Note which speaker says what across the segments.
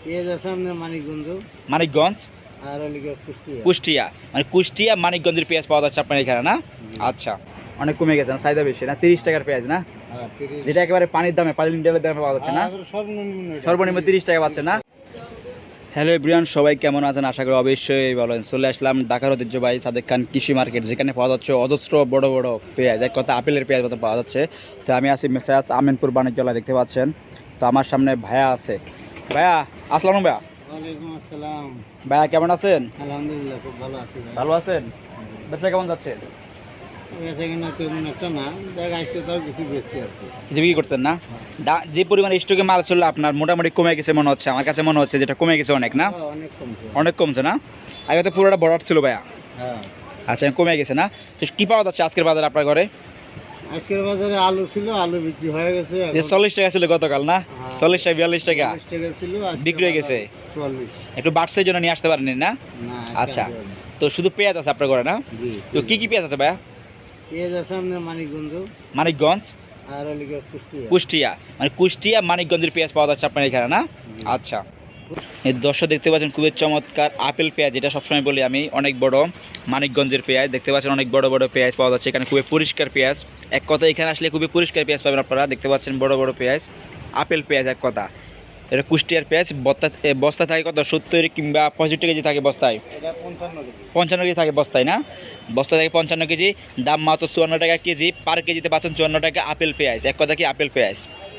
Speaker 1: পেঁয়াজ আছে আপনার মানিকগঞ্জ
Speaker 2: মানিকগঞ্জ
Speaker 1: আর ওদিকে কুষ্টিয়া।
Speaker 2: কুষ্টিয়া, মানে কুষ্টিয়া মানিকগঞ্জের পেঁয়াজ পাওয়া যাচ্ছে আপনার এখানে না? আচ্ছা, অনেক কমে গেছে না, চাহিদা বেশি না? 30 টাকার পেঁয়াজ না,
Speaker 1: হ্যাঁ 30।
Speaker 2: যেটা একেবারে পানির দামে, পানি লিটারের দামে পাওয়া যাচ্ছে না? সর্বনিম্ন 30 টাকা পাচ্ছে না? হ্যালো এভরিওয়ান, সবাই কেমন আছেন? আশা করি অবশ্যই ভালো আছেন। চলে আসলাম ঢাকার ঐতিহ্যবাহী সাদেক খান কৃষি মার্কেট, যেখানে পাওয়া যাচ্ছে অজস্র বড় বড় পেঁয়াজ, এক কথা আপেলের পেঁয়াজ মতো পাওয়া যাচ্ছে। তো আমি আছি মেসাজ আমিনপুর বাণিজ্যালয়, দেখতে পাচ্ছেন। তো আমার সামনে ভাইয়া আছে। ভাইয়া আসসালাম। ভাইয়া
Speaker 1: ওয়ালাইকুম আসসালাম।
Speaker 2: ভাইয়া কেমন আছেন?
Speaker 1: আলহামদুলিল্লাহ খুব ভালো আছি ভাই।
Speaker 2: ভালো আছেন? ব্যবসা কেমন যাচ্ছে?
Speaker 1: বেচা কিনা তেমন একটা না, দেখ আজকে তাও কিছু বেশি আছে।
Speaker 2: কিছু বিক্রি করতেন না? যে পরিমাণে স্টকে মাল ছিল আপনার মোটামুটি কমে গেছে মনে হচ্ছে, আমার কাছে মনে হচ্ছে যেটা কমে গেছে অনেক না?
Speaker 1: অনেক কমছে।
Speaker 2: অনেক কমছে না? আগে তো পুরোটা বড় ছিল ভাইয়া।
Speaker 1: হ্যাঁ
Speaker 2: আচ্ছা, কমে গেছে না? তো কি পাওয়া যাচ্ছে আজকের বাজারে আপনার ঘরে?
Speaker 1: আজকের বাজারে আলু ছিল, আলু বিক্রি হয়ে গেছে।
Speaker 2: যে 40 টাকা ছিল গতকাল না? 40 টাকা 42 টাকা
Speaker 1: 40 টাকা ছিল, আজকে
Speaker 2: বিক্রি হয়ে গেছে।
Speaker 1: 44।
Speaker 2: একটু বাড়ছে জন্য নিয়ে আসতে পারেননি না?
Speaker 1: না
Speaker 2: আচ্ছা, তো শুধু পেঁয়াজ আছে আপনার ঘরে না?
Speaker 1: জি।
Speaker 2: তো কি পেঁয়াজ আছে ভাইয়া?
Speaker 1: পেঁয়াজ আছে আপনার মানিকগঞ্জ
Speaker 2: মানিকগঞ্জ
Speaker 1: আর ওদিকে কুষ্টিয়া।
Speaker 2: কুষ্টিয়া, মানে কুষ্টিয়া মানিকগঞ্জের পেঁয়াজ পাওয়া যাচ্ছে আপনার এখানে না?
Speaker 1: জি।
Speaker 2: আচ্ছা, এই দর্শক দেখতে পাচ্ছেন খুবই চমৎকার আপেল পেঁয়াজ, যেটা সবসময় বলি আমি, অনেক বড় মানিকগঞ্জের পেঁয়াজ। দেখতে পাচ্ছেন অনেক বড় বড় পেঁয়াজ পাওয়া যাচ্ছে এখানে, খুবই পরিষ্কার পেঁয়াজ। এক কথা এখানে আসলে খুবই পরিষ্কার পেঁয়াজ পাবেন আপনারা। দেখতে পাচ্ছেন বড় বড় পেঁয়াজ, আপেল পেঁয়াজ এক কথা। এটা কুষ্টিয়ার পেঁয়াজ। বস্তা থাকে কত, 70 কিংবা 65 কেজি থাকে বস্তায়?
Speaker 1: এটা 55 কেজি।
Speaker 2: 55 কেজি থাকে বস্তায় না? বস্তা থাকে 55 কেজি, দাম মাত্র 54 টাকা কেজি। পার কেজিতে পাচ্ছেন 54 টাকা আপেল পেঁয়াজ, এক কথা কি আপেল পেঁয়াজ।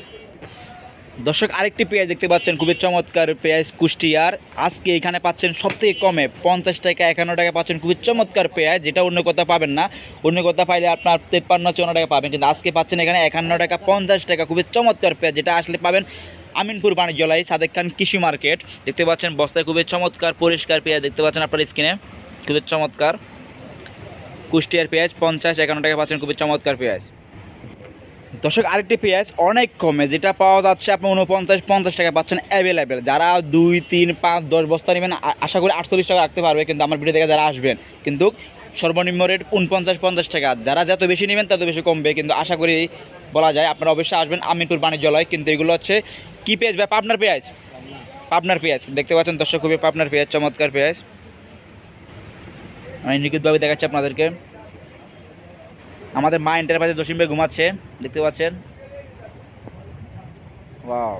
Speaker 2: দর্শক আরেকটি পেঁয়াজ দেখতে পাচ্ছেন, খুবই চমৎকার পেঁয়াজ কুষ্টিয়ার। আজকে এখানে পাচ্ছেন সবথেকে কমে 50 টাকা 51 টাকা পাচ্ছেন, খুবই চমৎকার পেঁয়াজ, যেটা অন্য কথা পাবেন না। অন্য কথা পাইলে আপনার 53-54 টাকা পাবেন, কিন্তু আজকে পাচ্ছেন এখানে 51 টাকা 50 টাকা, খুবই চমৎকার পেঁয়াজ, যেটা আসলে পাবেন আমিনপুর বাণিজ্যালয় সাদেক খান কৃষি মার্কেট। দেখতে পাচ্ছেন বস্তায় খুবই চমৎকার পরিষ্কার পেঁয়াজ, দেখতে পাচ্ছেন আপনার স্ক্রিনে, খুবই চমৎকার কুষ্টিয়ার পেঁয়াজ। 50-51 টাকা পাচ্ছেন, খুবই চমৎকার পেঁয়াজ। দর্শক আরেকটি পেঁয়াজ অনেক কমে, যেটা পাওয়া যাচ্ছে আপনি 49-50 টাকা পাচ্ছেন অ্যাভেলেবেল। যারা 2, 3, 5, 10 বস্তা নেবেন আশা করি 48 টাকা রাখতে পারবে, কিন্তু আমার ভিডিও থেকে যারা আসবেন কিন্তু সর্বনিম্ন রেট 49-50 টাকা। যারা যত বেশি নেবেন তত বেশি কমবে, কিন্তু আশা করি বলা যায় আপনারা অবশ্যই আসবেন আমিনপুর বাণিজ্যালয়। কিন্তু এগুলো হচ্ছে কী পেঁয়াজ ভাই? পাবনার পেঁয়াজ। পাবনার পেঁয়াজ দেখতে পাচ্ছেন দর্শক, খুবই পাবনার পেঁয়াজ, চমৎকার পেঁয়াজ। আমি নিখুঁতভাবে দেখাচ্ছি আপনাদেরকে। আমাদের মা এন্টারপ্রাইজে জসিম ভাই ঘুমাচ্ছে, দেখতে পাচ্ছেন। ওয়াও,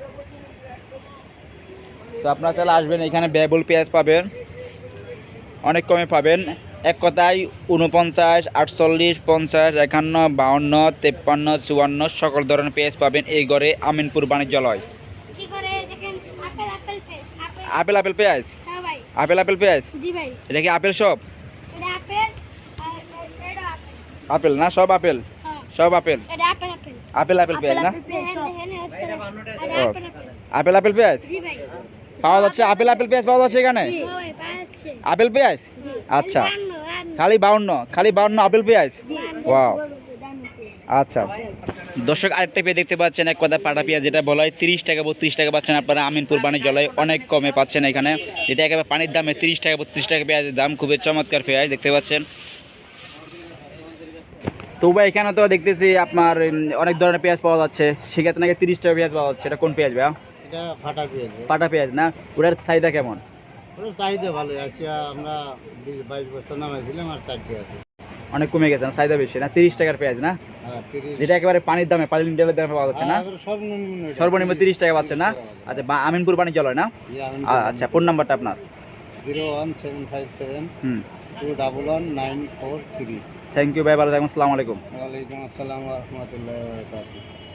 Speaker 2: তো আপনারা চাইলে আসবেন, এখানে ব্যয়বহুল পেঁয়াজ পাবেন, অনেক কমে পাবেন। এক কথায় 49, 48, 50, 51, 52, 53, 54 সকল ধরনের পেঁয়াজ পাবেন এই ঘরে আমিনপুর বাণিজ্যালয়। আপেল পেঁয়াজ, আপেল পেঁয়াজ, এটা কি আপেল সব? আপেল না, সব আপেল, সব আপেল, আপেল পেঁয়াজ না? আপেল পেঁয়াজ পাওয়া যাচ্ছে, আপেল পেঁয়াজ পাওয়া যাচ্ছে এখানে, আপেল পেঁয়াজ। আচ্ছা, খালি 52 আপেল পেঁয়াজ। ওয়াও, আচ্ছা। দর্শক আরেকটা পেঁয়াজ দেখতে পাচ্ছেন, এক কথা পাটা পেঁয়াজ, যেটা বলা হয় 30 টাকা 32 টাকা পাচ্ছেন আপনারা আমিনপুর বাণিজ্যালয়, অনেক কমে পাচ্ছেন এখানে, যেটা একেবারে পানির দামে 30 টাকা 32 টাকা পেঁয়াজের দাম, খুবই চমৎকার পেঁয়াজ দেখতে পাচ্ছেন। তো ভাই এখানে তো দেখতেছি আপনার অনেক ধরনের পেঁয়াজ পাওয়া যাচ্ছে, সেক্ষেত্রে নাকি 30 টাকা পেঁয়াজ পাওয়া যাচ্ছে, এটা কোন পেঁয়াজ ভাইয়া?
Speaker 1: এটা ফাটা পেঁয়াজ।
Speaker 2: পাটা পেঁয়াজ না? ওটার চাহিদা কেমন?
Speaker 1: ওর চাহিদা ভালো আছে, আমরা 22 বস্তা নামাইছিলাম আর 4টি আছে।
Speaker 2: অনেক কমে গেছে না, চাহিদা বেশি না? 30 টাকার পেঁয়াজ না,
Speaker 1: হ্যাঁ 30।
Speaker 2: যেটা একেবারে পানির দামে, পানি লিটারের দামে পাওয়া যাচ্ছে না? সর্বনিম্ন 30 টাকা পাচ্ছে না? আচ্ছা, আমিনপুর বাণিজ্যালয় না? আচ্ছা, ফোন নাম্বারটা আপনার?
Speaker 1: 01757 211 943।
Speaker 2: থ্যাংক ইউ ভাই, ভালো থাকুন, আসসালামু আলাইকুম।
Speaker 1: ওয়ালাইকুম আসসালাম ওয়া রাহমাতুল্লাহি ওয়া বারাকাতুহু।